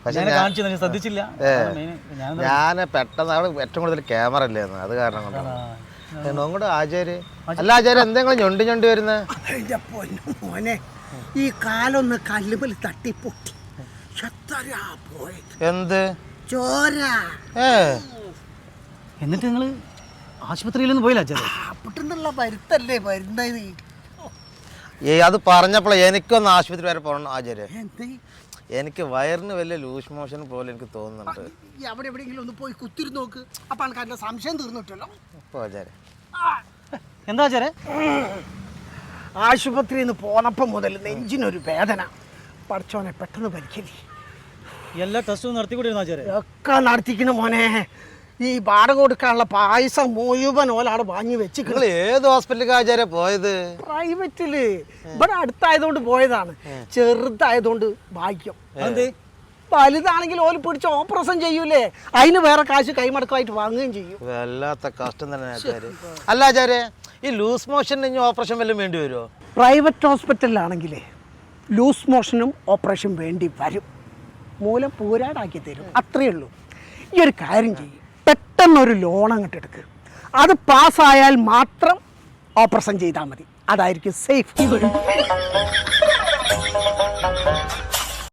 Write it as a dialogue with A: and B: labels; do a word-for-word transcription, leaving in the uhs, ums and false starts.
A: പക്ഷെ
B: ശ്രദ്ധിച്ചില്ല.
A: ഞാൻ പെട്ടെന്ന് അവിടെ ഏറ്റവും കൂടുതൽ ക്യാമറ അല്ലായിരുന്നു, അത് കാരണം കൊണ്ടാണ്. നോങ്ങോട്ട് ആചാര്യ അല്ല ആചാര്യ എന്തെങ്കിലും ഞൊണ്ടി ഞൊണ്ടി വരുന്നത്?
C: മോനെ ഈ കാലൊന്ന് കല്ലുമൽ തട്ടി പൊട്ടി
A: എന്ത്
C: ചോര.
B: ഏ എന്നിട്ട് നിങ്ങള് ആശുപത്രിയിലൊന്നും പോയില്ല ആചാര്യ?
C: അപ്പട്ടുള്ള മരുത്തല്ലേ മരുന്നത്.
A: ഏ അത് പറഞ്ഞപ്പോഴേ എനിക്കൊന്ന് ആശുപത്രി വരെ പോകണം ആചാര്യ. എനിക്ക് വയറിന് വലിയ ലൂസ് മോഷൻ പോലെ എനിക്ക് തോന്നുന്നുണ്ട്.
C: അവിടെ എവിടെയെങ്കിലും ഒന്ന് പോയി കുത്തിരുന്ന് നോക്ക്, അപ്പൊ ആൾക്കാരുടെ സംശയം തീർന്നിട്ടല്ലോ.
B: എന്താ ആചാര്യ?
C: ആശുപത്രിയിൽ നിന്ന് പോന്നപ്പം മുതൽ നെഞ്ചിനൊരു വേദന. പഠിച്ചോനെ പെട്ടെന്ന് പരിക്കല്ലേ.
B: എല്ലാ ടെസ്റ്റും നടത്തിക്കൊണ്ടിരുന്നു ആചാര്യ?
C: ഒക്കെ നടത്തിക്കണ മോനെ. ഈ വാടക കൊടുക്കാനുള്ള പായസം മുഴുവൻ ഓലാണ് വാങ്ങി വെച്ച്.
A: ഏത് ഹോസ്പിറ്റലിൽ ആചാര്യ പോയത്?
C: പ്രൈവറ്റില്. ഇവിടെ അടുത്തായതുകൊണ്ട് പോയതാണ്, ചെറുതായതുകൊണ്ട് ഭാഗ്യം.
B: എന്ത്
C: വലുതാണെങ്കിൽ ഓല് പിടിച്ച് ഓപ്പറേഷൻ ചെയ്യൂലേ, അതിന് വേറെ കാശ് കൈമടക്കമായിട്ട് വാങ്ങുകയും ചെയ്യും.
A: വല്ലാത്ത കഷ്ടം തന്നെ ആചാര്യ. അല്ല ആചാര്യ, ഈ ലൂസ് മോഷൻ ഇനി ഓപ്പറേഷൻ വല്ലതും വേണ്ടി വരുമോ?
C: പ്രൈവറ്റ് ഹോസ്പിറ്റലിലാണെങ്കിലേ ലൂസ് മോഷനും ഓപ്പറേഷൻ വേണ്ടി വരും. മൂലം പൂരാടാക്കി തരും, അത്രയേ ഉള്ളൂ. ഈ ഒരു കാര്യം ചെയ്യും, പെട്ടെന്നൊരു ലോൺ അങ്ങോട്ട് എടുക്കുക. അത് പാസ്സായാൽ മാത്രം ഓപ്പറേഷൻ ചെയ്താൽ മതി, അതായിരിക്കും സേഫ്.